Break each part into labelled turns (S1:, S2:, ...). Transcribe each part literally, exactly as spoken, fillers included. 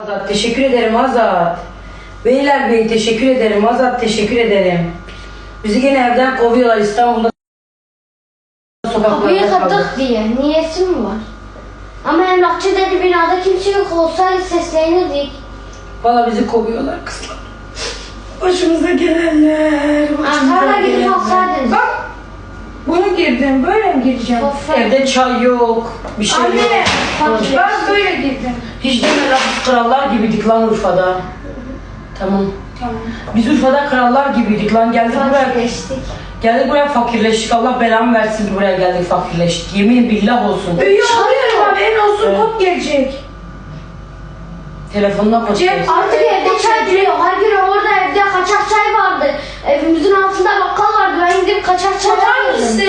S1: Azat teşekkür ederim Azat. Beyler Bey teşekkür ederim Azat teşekkür ederim. Bizi gene evden kovuyorlar İstanbul'da
S2: Kapıyı
S1: sokaklarda kaldık.
S2: kırdık diye. Niyesi mi var? Ama emlakçı dedi binada kimse yok olsaydı seslenirdik.
S1: Valla bizi kovuyorlar kızlar. Başımıza gelenler. Başımıza
S2: Ankara'da gidip
S1: gelenler.
S2: alsaydınız.
S3: Bak, bunu girdim, böyle mi gireceğim?
S2: Of.
S1: Evde çay yok. Bir şey yok.
S3: Anne,
S2: Fakir.
S3: ben böyle girdim.
S1: Hiç deme lan biz krallar gibiydik lan Urfa'da. Tamam.
S3: Tamam.
S1: Biz Urfa'da krallar gibiydik lan geldik buraya.
S2: Fakirleştik.
S1: Geldik buraya fakirleştik. Allah belamı versin ki buraya geldik fakirleştik. Yemin billah olsun.
S3: Üye oluyorum abi, en olsun
S1: Evet.
S3: kod gelecek.
S1: Telefonuna koy.
S3: Cep-
S2: Artık evde çay duruyor. Her gün orada evde kaçak çay vardı. Evimizin altında bakkal vardı. Ben gidip kaçak çay
S3: Çatar
S2: alıyordum.
S3: mısın?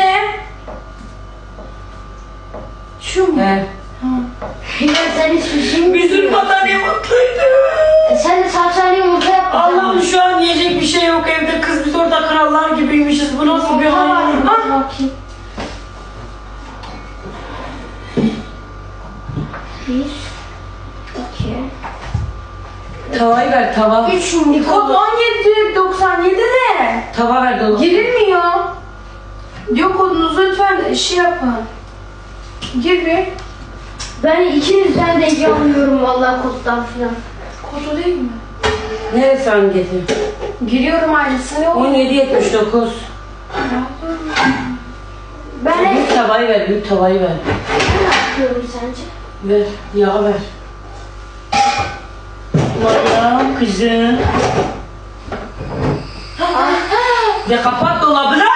S3: Şu mu?
S1: He.
S2: Ya sen hiçbir şey mi?
S1: Biz Urfa'da ne mutluydu.
S2: E Sen de salçalı yumurta yaptın.
S1: Allah'ım şu an yiyecek bir şey yok evde. Kız biz orada krallar gibiymişiz. Bu nasıl bir
S2: Yumurta var.
S1: hayal?
S2: Dur
S1: Ah!
S2: bakayım. Bir. İki.
S1: Tavayı ver tava.
S2: Üç
S3: Kod
S2: yumurta.
S3: on yedi doksan yedi ne?
S1: Tava ver dolu.
S3: Girilmiyor. Diyor kodunuzu lütfen şey yapın. Gir bir.
S2: Ben ikinizden de yanıyorum vallahi koddan filan.
S3: Kodu değil mi?
S1: Neresi hangisi?
S3: Giriyorum ailesine.
S1: on yedi yetmiş dokuz.
S2: Ben hep
S1: Büyük tavayı ver, büyük tavayı ver.
S2: ne yapıyorum sence?
S1: Ver, yağ ver. Valla kızım. Ve kapat dolabını.